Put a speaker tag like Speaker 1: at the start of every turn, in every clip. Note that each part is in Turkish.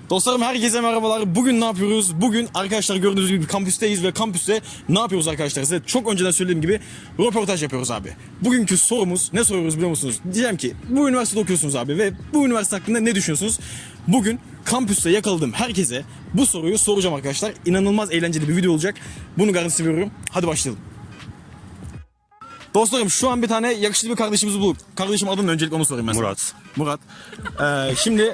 Speaker 1: Dostlarım herkese merhabalar. Bugün ne yapıyoruz? Bugün arkadaşlar gördüğünüz gibi kampüsteyiz ve kampüste ne yapıyoruz arkadaşlar? Size çok önceden söylediğim gibi röportaj yapıyoruz abi. Bugünkü sorumuz ne soruyoruz biliyor musunuz? Diyeceğim ki bu üniversitede okuyorsunuz abi ve bu üniversite hakkında ne düşünüyorsunuz? Bugün kampüste yakaladığım herkese bu soruyu soracağım arkadaşlar. İnanılmaz eğlenceli bir video olacak. Bunu garantisini veriyorum. Hadi başlayalım. Dostlarım şu an bir tane yakışıklı bir kardeşimizi bulduk. Kardeşim adını öncelikle onu sorayım mesela.
Speaker 2: Murat.
Speaker 1: Şimdi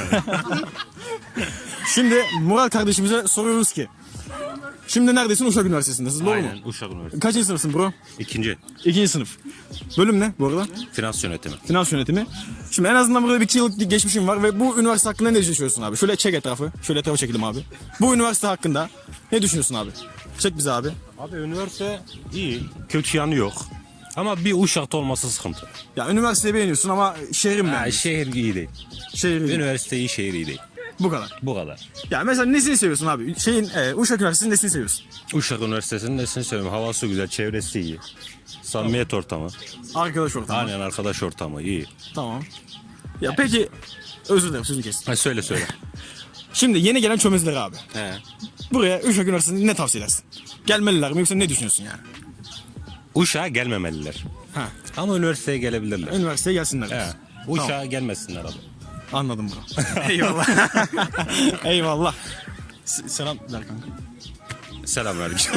Speaker 1: Murat kardeşimize soruyoruz ki. Şimdi neredesin? Uşak Üniversitesi'ndesin, doğru mu?
Speaker 2: Aynen, Uşak Üniversitesi.
Speaker 1: Kaçıncı sınıfsın bro? İkinci sınıf. Bölüm ne bu arada?
Speaker 2: Finans yönetimi.
Speaker 1: Finans yönetimi. Şimdi en azından burada bir 2 yıllık geçmişim var ve bu üniversite hakkında ne düşünüyorsun abi? Şöyle çek etrafı. Şöyle etrafa çekelim abi. Bu üniversite hakkında ne düşünüyorsun abi? Çek bizi abi.
Speaker 2: Abi üniversite iyi, kötü yanı yok. Ama bir Uşak'ta olması sıkıntı.
Speaker 1: Ya üniversiteyi beğeniyorsun ama şehrin mi?
Speaker 2: Şehir iyi değil.
Speaker 1: Şehir iyi.
Speaker 2: Üniversite iyi, şehir iyi değil.
Speaker 1: Bu kadar.
Speaker 2: Bu kadar.
Speaker 1: Ya mesela nesini seviyorsun abi? Uşak Üniversitesi'nin nesini seviyorsun?
Speaker 2: Uşak Üniversitesi'nin nesini söyleyeyim. Havası güzel, çevresi iyi. Samimiyet ortamı.
Speaker 1: Arkadaş ortamı.
Speaker 2: Aynen, arkadaş ortamı iyi.
Speaker 1: Tamam. Ya peki özür dilerim sözünü kestim.
Speaker 2: Söyle.
Speaker 1: Şimdi yeni gelen çömezler abi.
Speaker 2: He.
Speaker 1: Buraya Uşak Üniversitesi'nde ne tavsiye edersin? Gelmeliler mi yoksa ne düşünüyorsun yani?
Speaker 2: Uşak'a gelmemeliler.
Speaker 1: Ha,
Speaker 2: Ama üniversiteye gelebilirler.
Speaker 1: üniversiteye gelsinler.
Speaker 2: He. Uşak'a gelmesinler abi.
Speaker 1: Anladım bro. Eyvallah. Eyvallah. Selam ver kanka.
Speaker 2: Selamünaleyküm.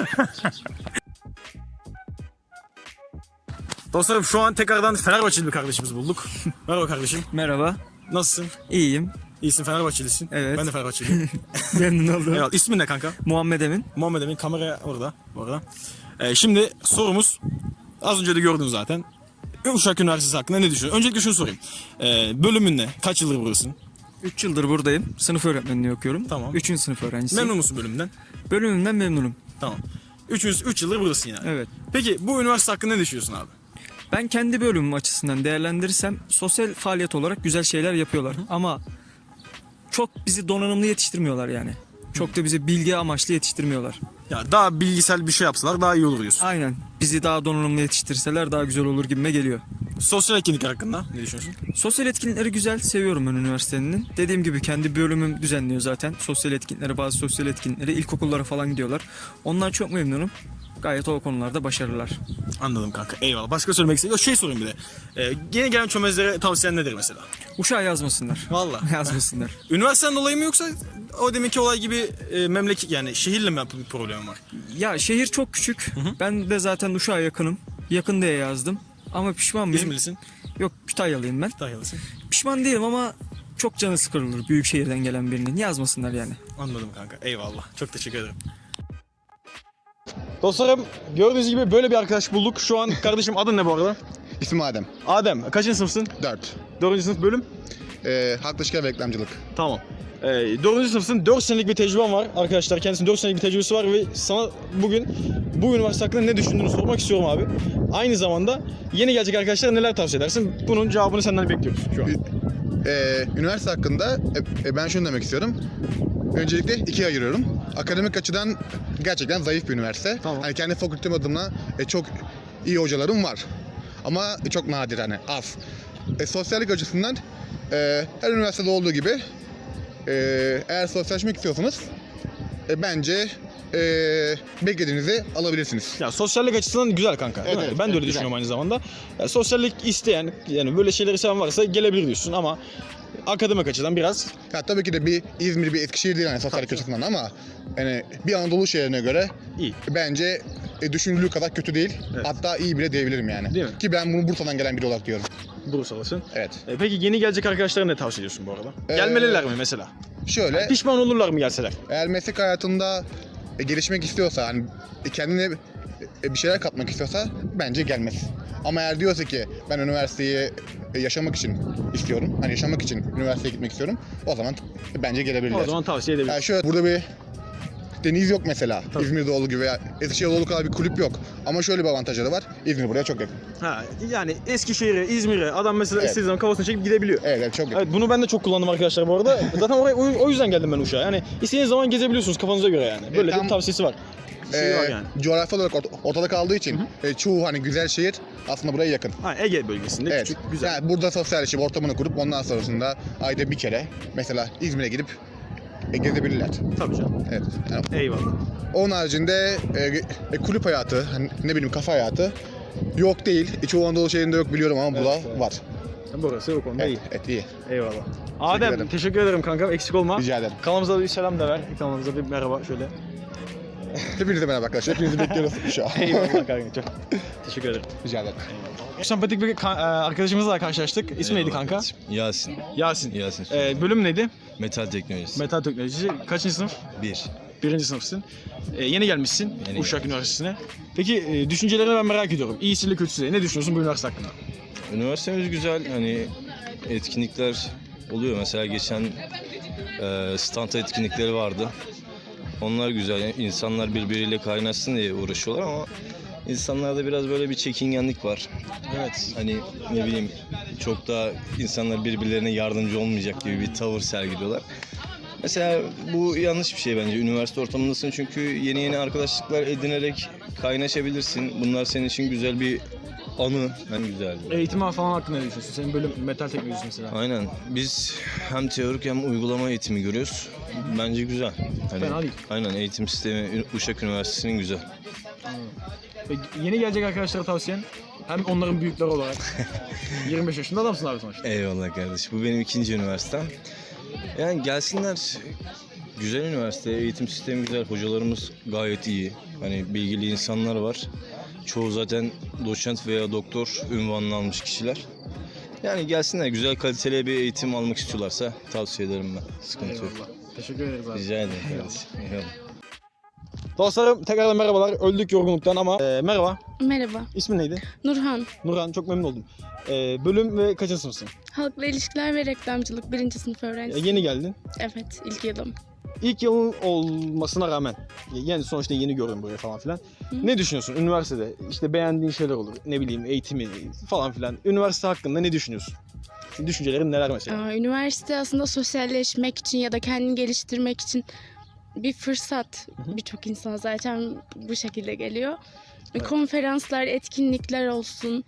Speaker 1: Dostlarım şu an tekrardan Fenerbahçeli bir kardeşimizi bulduk. Merhaba kardeşim.
Speaker 3: Merhaba,
Speaker 1: Nasılsın?
Speaker 3: iyiyim.
Speaker 1: İyisin, Fenerbahçelisin.
Speaker 3: Evet.
Speaker 1: Ben de Fenerbahçeliyim.
Speaker 3: Memnun oldum.
Speaker 1: Eyvallah. İsmin ne kanka?
Speaker 3: Muhammed Emin.
Speaker 1: Muhammed Emin, kamera orada. Bu arada. Şimdi sorumuz az önce de gördün zaten. Uşak Üniversitesi hakkında ne düşünüyorsun? Öncelikle şunu sorayım. Bölümün ne? Kaç yıldır buradasın?
Speaker 3: 3 yıldır buradayım. Sınıf öğretmenliği okuyorum.
Speaker 1: Tamam.
Speaker 3: 3. sınıf öğrencisiyim.
Speaker 1: Memnun musun bölümünden?
Speaker 3: Bölümümden memnunum.
Speaker 1: Tamam. 3 yıldır buradasın yani.
Speaker 3: Evet.
Speaker 1: Peki bu üniversite hakkında ne düşünüyorsun abi?
Speaker 3: Ben kendi bölümüm açısından değerlendirirsem sosyal faaliyet olarak güzel şeyler yapıyorlar. Ama çok bizi donanımlı yetiştirmiyorlar yani. Çok da bizi bilgi amaçlı yetiştirmiyorlar.
Speaker 1: Ya daha bilgisel bir şey yapsalar daha iyi olur diyorsun.
Speaker 3: Aynen. Bizi daha donanımlı yetiştirseler daha güzel olur gibime geliyor.
Speaker 1: Sosyal etkinlikler hakkında ne düşünüyorsun?
Speaker 3: Sosyal etkinlikleri güzel, seviyorum ben üniversitenin. Dediğim gibi kendi bölümüm düzenliyor zaten. Sosyal etkinlikleri, bazı sosyal etkinlikleri ilkokullara falan gidiyorlar. Onlar çok memnunum. Gayet o konularda başarılılar.
Speaker 1: Anladım kanka. Eyvallah. Başka söylemek istediğim şey sorayım bir de. Yeni gelen çömezlere tavsiyen nedir mesela?
Speaker 3: Uşağa yazmasınlar.
Speaker 1: Vallahi.
Speaker 3: Yazmasınlar.
Speaker 1: Üniversiteden dolayı mı yoksa o deminki olay gibi memleket yani şehirle mi bir problem var?
Speaker 3: Ya şehir çok küçük. Ben de zaten Uşak'a yakınım. Yakın diye yazdım. Ama pişman mıyım?
Speaker 1: İzmirlisin.
Speaker 3: Yok, Kütahyalıyım ben.
Speaker 1: Kütahyalısın.
Speaker 3: Pişman değilim ama çok canı sıkılır büyük şehirden gelen birinin. Yazmasınlar yani.
Speaker 1: Anladım kanka. Eyvallah. Çok teşekkür ederim. Dostlarım gördüğünüz gibi böyle bir arkadaş bulduk. Şu an kardeşim adın ne bu arada?
Speaker 4: İsmim Adem.
Speaker 1: Adem. Kaçıncı sınıfsın?
Speaker 4: 4.
Speaker 1: 4. sınıf bölüm?
Speaker 4: Halk ilişkiler ve reklamcılık.
Speaker 1: Tamam. 4. sınıfsın. 4 senelik bir tecrüben var arkadaşlar. Kendisinin 4 senelik bir tecrübesi var ve sana bugün bu üniversite hakkında ne düşündüğünü sormak istiyorum abi. Aynı zamanda yeni gelecek arkadaşlara neler tavsiye edersin? Bunun cevabını senden bekliyoruz şu an.
Speaker 4: Üniversite hakkında ben şunu demek istiyorum. Öncelikle ikiye ayırıyorum. Akademik açıdan gerçekten zayıf bir üniversite.
Speaker 1: Tamam.
Speaker 4: Hani kendi fakültem adına çok iyi hocalarım var. Ama çok nadir, hani az. Sosyallik açısından her üniversitede olduğu gibi eğer sosyalleşmek istiyorsanız bence beklediğinizi alabilirsiniz.
Speaker 1: Ya sosyallik açısından güzel kanka. Değil mi?
Speaker 4: Evet,
Speaker 1: Ben de öyle
Speaker 4: güzel.
Speaker 1: düşünüyorum aynı zamanda. Ya, sosyallik isteyen yani böyle şeyleri seven varsa gelebilir diyorsun ama akademik açıdan biraz
Speaker 4: Ya tabii ki de bir İzmir, bir Eskişehir değil hani sosyallik açısından, ama yani bir Anadolu şehrine göre
Speaker 1: iyi.
Speaker 4: bence düşünüldüğü kadar kötü değil.
Speaker 1: Evet.
Speaker 4: Hatta iyi bile diyebilirim yani.
Speaker 1: Değil mi?
Speaker 4: Ki ben bunu Bursa'dan gelen biri olarak diyorum.
Speaker 1: Bursalısın.
Speaker 4: Evet.
Speaker 1: Peki yeni gelecek arkadaşlara ne tavsiye ediyorsun bu arada? Gelmeliler mi mesela?
Speaker 4: Şöyle,
Speaker 1: Pişman olurlar mı gelseler?
Speaker 4: eğer meslek hayatında gelişmek istiyorsa, hani kendine bir şeyler katmak istiyorsa bence gelmez. Ama eğer diyorsa ki ben üniversiteyi yaşamak için istiyorum, hani yaşamak için üniversiteye gitmek istiyorum, o zaman bence gelebilirler.
Speaker 1: O zaman tavsiye edebilirim.
Speaker 4: Yani şöyle, burada bir deniz yok mesela. İzmir'de olduğu gibi veya Eskişehir'de olduğu kadar bir kulüp yok. Ama şöyle bir avantajları var. İzmir buraya çok yakın.
Speaker 1: Ha, yani Eskişehir'e, İzmir'e adam mesela
Speaker 4: Evet.
Speaker 1: istediği zaman kafasını çekip gidebiliyor.
Speaker 4: Evet, çok yakın.
Speaker 1: Evet, bunu ben de çok kullandım arkadaşlar bu arada. Zaten oraya o yüzden geldim ben Uşak'a. Yani istediğiniz zaman gezebiliyorsunuz kafanıza göre yani. Böyle de
Speaker 4: tam-
Speaker 1: bir tavsiyesi var. Şey var yani.
Speaker 4: Coğrafi olarak ortada kaldığı için çoğu hani güzel şehir aslında buraya yakın.
Speaker 1: Ha, Ege bölgesinde
Speaker 4: Evet.
Speaker 1: küçük, güzel.
Speaker 4: Yani burada sosyalleşip ortamını kurup ondan sonrasında ayda bir kere mesela İzmir'e gidip gezebilirler.
Speaker 1: Tabii canım.
Speaker 4: Evet. Yani
Speaker 1: Eyvallah.
Speaker 4: onun haricinde kulüp hayatı, hani ne bileyim kafa hayatı yok değil. Çoğu Anadolu şehrinde yok biliyorum ama burada
Speaker 1: evet.
Speaker 4: var.
Speaker 1: Burası o konuda iyi.
Speaker 4: Evet, iyi.
Speaker 1: Eyvallah. Adem
Speaker 4: ederim.
Speaker 1: teşekkür ederim kanka. Eksik olma.
Speaker 4: Rica ederim.
Speaker 1: Kanalımıza da bir selam da ver. Kanalımıza bir merhaba şöyle.
Speaker 4: Hepinize merhaba arkadaşlar. Hepinizi bekliyoruz şu an.
Speaker 1: Eyvallah kanka. Çok teşekkür ederim.
Speaker 4: Rica ederim.
Speaker 1: Sempatik bir arkadaşımızla karşılaştık. İsmi neydi kanka?
Speaker 5: Yasin.
Speaker 1: Yasin.
Speaker 5: Yasin.
Speaker 1: Bölüm neydi?
Speaker 5: Metal teknolojisi.
Speaker 1: Metal teknolojisi. Kaçıncı sınıf?
Speaker 5: 1.
Speaker 1: Birinci sınıfsın. Yeni gelmişsin
Speaker 5: Yeni
Speaker 1: Uşak Üniversitesi'ne. Peki düşüncelerini ben merak ediyorum. İyisiyle kötüsüyle. Ne düşünüyorsun bu üniversite hakkında?
Speaker 5: Üniversitemiz güzel. Hani etkinlikler oluyor. Mesela geçen stand etkinlikleri vardı. Onlar güzel. Yani insanlar birbiriyle kaynaşsın diye uğraşıyorlar ama insanlarda biraz böyle bir çekingenlik var.
Speaker 1: Evet.
Speaker 5: Hani ne bileyim çok da insanlar birbirlerine yardımcı olmayacak gibi bir tavır sergiliyorlar. Mesela bu yanlış bir şey bence. Üniversite ortamındasın çünkü yeni arkadaşlıklar edinerek kaynaşabilirsin. Bunlar senin için güzel bir anı. En güzel.
Speaker 1: Eğitim falan hakkında ne düşünüyorsun? Senin bölüm metal teknolojisi mesela.
Speaker 5: Aynen. Biz hem teorik hem uygulama eğitimi görüyoruz. Bence güzel. Hani,
Speaker 1: Fena değil.
Speaker 5: Aynen eğitim sistemi Uşak Üniversitesi'nin güzel.
Speaker 1: Peki, yeni gelecek arkadaşlara tavsiyen hem onların büyükleri olarak 25 yaşında adamsın abi sonuçta.
Speaker 5: Eyvallah kardeşim. Bu benim ikinci üniversitem. Yani gelsinler. Güzel üniversite, eğitim sistemi güzel, hocalarımız gayet iyi. Hani bilgili insanlar var. Çoğu zaten doçent veya doktor unvanını almış kişiler. Yani gelsinler, güzel kaliteli bir eğitim almak istiyorlarsa tavsiye ederim ben. Sıkıntı yok.
Speaker 1: Eyvallah. Teşekkür ederiz abi.
Speaker 5: Rica ederim kardeşim. Eyvallah.
Speaker 1: Dostlarım tekrardan merhabalar. Öldük yorgunluktan ama merhaba.
Speaker 6: Merhaba,
Speaker 1: İsmin neydi?
Speaker 6: Nurhan.
Speaker 1: Nurhan, çok memnun oldum. Bölüm ve kaçıncı sınıfsın?
Speaker 6: Halkla ilişkiler ve reklamcılık 1. sınıf öğrencisi.
Speaker 1: Yeni geldin.
Speaker 6: Evet, ilk yılım.
Speaker 1: İlk yılın olmasına rağmen, yani sonuçta yeni görüyorum buraya falan filan. Ne düşünüyorsun üniversitede? İşte beğendiğin şeyler olur, ne bileyim eğitimi falan filan. Üniversite hakkında ne düşünüyorsun? Düşüncelerin neler mesela?
Speaker 6: Üniversite aslında sosyalleşmek için ya da kendini geliştirmek için bir fırsat. Birçok insan zaten bu şekilde geliyor.
Speaker 1: Evet.
Speaker 6: Konferanslar, etkinlikler olsun.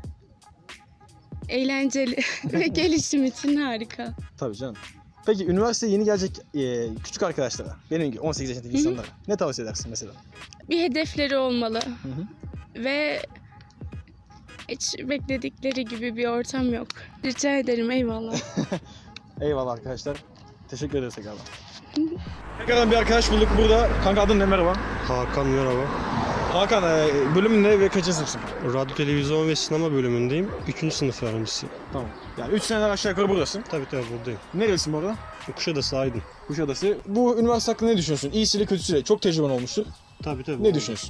Speaker 6: Eğlenceli ve gelişim için harika.
Speaker 1: Tabii canım. Peki üniversiteye yeni gelecek küçük arkadaşlara, benim gibi 18 yaşındaki insanlara ne tavsiye edersin mesela?
Speaker 6: Bir hedefleri olmalı. Ve hiç bekledikleri gibi bir ortam yok. Rica ederim, eyvallah.
Speaker 1: Eyvallah arkadaşlar. Teşekkür ederiz tekrardan. Tekrardan bir arkadaş bulduk burada. Kanka adın ne? Merhaba.
Speaker 7: Hakan merhaba.
Speaker 1: Hakan, bölümün ne ve kaçıncı sınıfsın?
Speaker 7: Radyo, televizyon ve sinema bölümündeyim. 3. sınıf öğrencisiyim.
Speaker 1: Tamam. Yani 3 seneler aşağı yukarı buradasın.
Speaker 7: Tabii buradayım.
Speaker 1: Nerelisin bu arada?
Speaker 7: Kuşadası Aydın.
Speaker 1: Kuşadası. Bu üniversite hakkında ne düşünüyorsun? İyisiyle kötüsüyle. Çok tecrüben olmuştur.
Speaker 7: Tabii.
Speaker 1: Ne düşünüyorsun?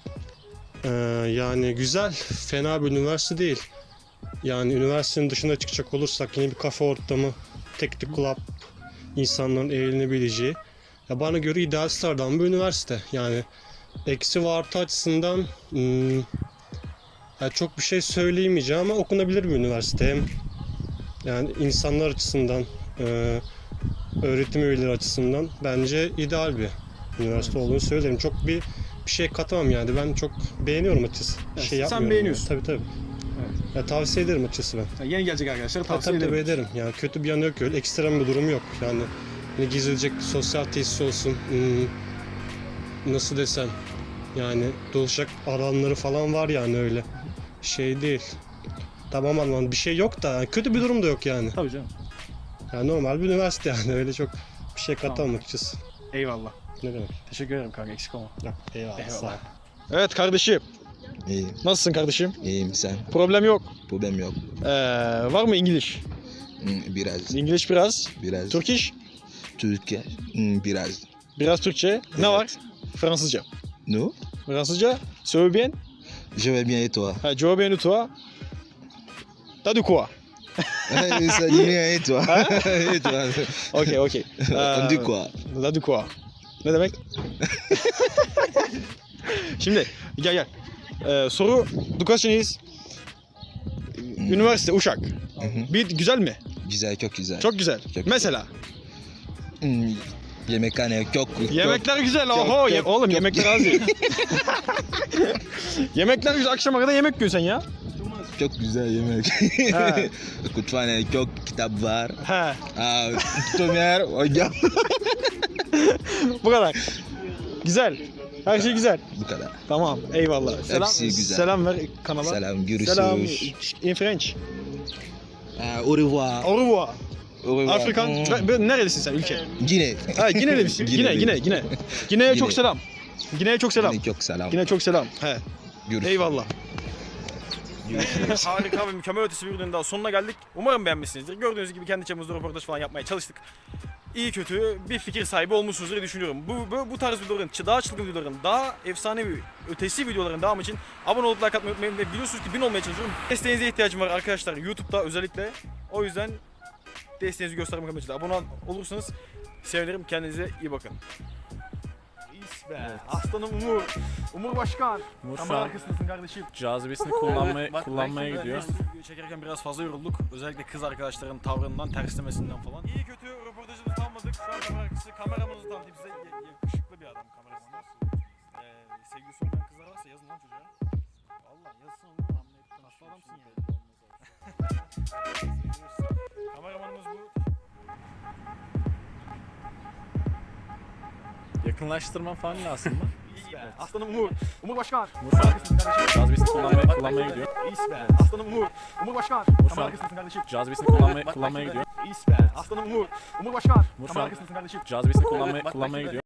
Speaker 7: Yani güzel, fena bir üniversite değil. Yani üniversitenin dışına çıkacak olursak yine bir kafe ortamı, teknik club, insanların eğlenebileceği. Ya bana göre ideal sıradan bir üniversite. Yani eksi ve artı açısından yani çok bir şey söyleyemeyeceğim ama okunabilir bir üniversite. Hem yani insanlar açısından, öğretim üyeleri açısından bence ideal bir üniversite olduğunu söylerim. Çok bir şey katamam yani. Ben çok beğeniyorum açıkçası. Bir
Speaker 1: Evet,
Speaker 7: şey
Speaker 1: sen
Speaker 7: yapmıyorum.
Speaker 1: beğeniyorsun.
Speaker 7: Yani. Tabii. Ya, tavsiye ederim açıkçası ben.
Speaker 1: Yani yeni gelecek arkadaşlar tavsiye
Speaker 7: Tabii
Speaker 1: ederim.
Speaker 7: ederim. Yani kötü bir yanı yok öyle. Ekstrem bir durum yok. Yani hani gezilecek sosyal tesis olsun. Nasıl desem. Yani dolaşacak alanları falan var yani öyle. Şey değil. Tamam anladım. Bir şey yok da yani kötü bir durum da yok yani.
Speaker 1: Tabii canım.
Speaker 7: Yani normal bir üniversite yani öyle çok bir şey katamam açıkçası.
Speaker 1: Eyvallah.
Speaker 7: Ne demek?
Speaker 1: Teşekkür ederim kanka, eksik olma.
Speaker 7: Yok, eyvallah. Sağ ol.
Speaker 1: Evet kardeşim.
Speaker 8: İyiyim,
Speaker 1: Nasılsın kardeşim?
Speaker 8: iyiyim sen.
Speaker 1: Problem yok.
Speaker 8: Problem yok.
Speaker 1: Var mı İngiliz?
Speaker 8: Biraz,
Speaker 1: İngiliz biraz.
Speaker 8: biraz.
Speaker 1: Turkish?
Speaker 8: Türkiye, biraz.
Speaker 1: Biraz Türkçe. Ne var? Fransızca.
Speaker 8: Nous,
Speaker 1: Fransızca? Söyle bien.
Speaker 8: je vais bien et toi?
Speaker 1: Ha, je vais bien et toi? T'as de quoi?
Speaker 8: Ça dit bien et toi? Et toi?
Speaker 1: Okey.
Speaker 8: On dit quoi?
Speaker 1: T'as de quoi? Ne demek? Şimdi gel. Soru du question is üniversite Uşak. Bir güzel mi?
Speaker 8: Güzel, çok güzel.
Speaker 1: Çok güzel.
Speaker 8: güzel.
Speaker 1: Mesela
Speaker 8: Hmm, yemekhane çok.
Speaker 1: yemekler güzel. Oho oğlum yemekler az değil. Yemekler güzel. Akşama kadar yemek yiyorsun sen ya.
Speaker 8: Çok güzel yemek.
Speaker 1: He.
Speaker 8: Kütüphane çok kitap var.
Speaker 1: He.
Speaker 8: Tutumer hocam.
Speaker 1: Bu kadar. Güzel. Her şey güzel.
Speaker 8: Bu kadar.
Speaker 1: Tamam. Eyvallah. Selam,
Speaker 8: Hepsi güzel.
Speaker 1: selam ver kanala.
Speaker 8: Selam, görüşürüz.
Speaker 1: Selam. In French.
Speaker 8: Au revoir.
Speaker 1: Au revoir.
Speaker 8: Au revoir.
Speaker 1: Afrikan. Nerelisin sen ülke?
Speaker 8: Gine.
Speaker 1: Ha Gineli misin? Gine. Gine'ye
Speaker 8: Gine.
Speaker 1: çok selam. Gine'ye çok selam.
Speaker 8: Gine çok selam.
Speaker 1: Gine'ye çok selam. He.
Speaker 8: Görüşürüz.
Speaker 1: Eyvallah. Harika ve mükemmel ötesi bir ürünün daha sonuna geldik. Umarım beğenmişsinizdir. Gördüğünüz gibi kendi çapımızda röportaj falan yapmaya çalıştık. İyi kötü bir fikir sahibi olmuşsunuzdur diye düşünüyorum. Bu tarz videoların, daha çılgın videoların, daha efsanevi, ötesi videoların devamı için abone olup like atmayı unutmayın. Ve biliyorsunuz ki 1000 olmaya çalışıyorum. Desteğinize ihtiyacım var arkadaşlar YouTube'da özellikle. O yüzden desteğinizi göstermek amacıyla abone olursanız sevinirim. Kendinize iyi bakın. İyis be. Aslanım Umur. Umur Başkan. Kamera arkasındasın kardeşim.
Speaker 9: Cazibesini kullanmaya gidiyor.
Speaker 1: Video çekerken biraz fazla yorulduk. Özellikle kız arkadaşların tavrından, terslemesinden falan. İyi kötü röportajını tamamladık. Şu an kamera arkası kameramızı tanıtayım size. Yakışıklı bir adam kameramız. Sevgilisi olmayan kızlar varsa yazın lan çocuğa. Valla yazsın onu anlayıp nasıl adamsın ya. Kameramanımız bu.
Speaker 9: Yakınlaştırma falan lazım mı?
Speaker 1: Aslanım Umur. Umur Başkan.
Speaker 9: Cazibesini kullanmaya gidiyor.
Speaker 1: İyis be. Aslanım Umur. Umur Başkan. Kamera arkasındasın kardeşim.
Speaker 9: Cazibesini kullanmaya gidiyor.
Speaker 1: İyis be. Aslanım Umur. Umur Başkan. Kamera arkasındasın kardeşim.
Speaker 9: Cazibesini kullanmaya gidiyor.